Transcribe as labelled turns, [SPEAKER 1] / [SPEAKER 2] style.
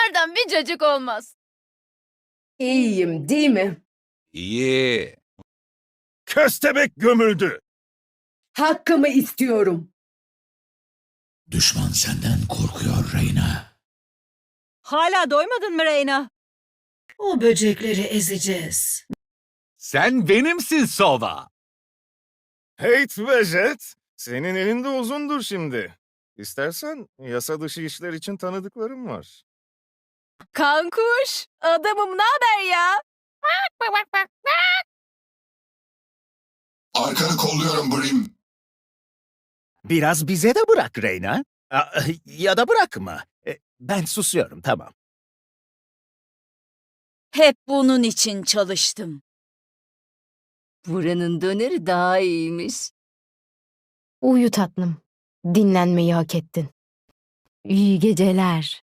[SPEAKER 1] Bunlardan bir cacık olmaz.
[SPEAKER 2] İyiyim, değil mi?
[SPEAKER 3] İyi.
[SPEAKER 4] Köstebek gömüldü.
[SPEAKER 2] Hakkımı istiyorum.
[SPEAKER 5] Düşman senden korkuyor Reyna.
[SPEAKER 6] Hala doymadın mı Reyna?
[SPEAKER 7] O böcekleri ezeceğiz.
[SPEAKER 3] Sen benimsin Sova.
[SPEAKER 4] Hate ve Jet, senin elinde uzundur şimdi. İstersen yasa dışı işler için tanıdıklarım var.
[SPEAKER 1] Kankuş, adamım ne haber ya?
[SPEAKER 5] Arkanı kolluyorum Brim.
[SPEAKER 8] Biraz bize de bırak Reyna. Ya da bırakma. Ben susuyorum, tamam.
[SPEAKER 6] Hep bunun için çalıştım.
[SPEAKER 1] Buranın döneri daha iyiymiş.
[SPEAKER 9] Uyu tatlım. Dinlenmeyi hak ettin. İyi geceler.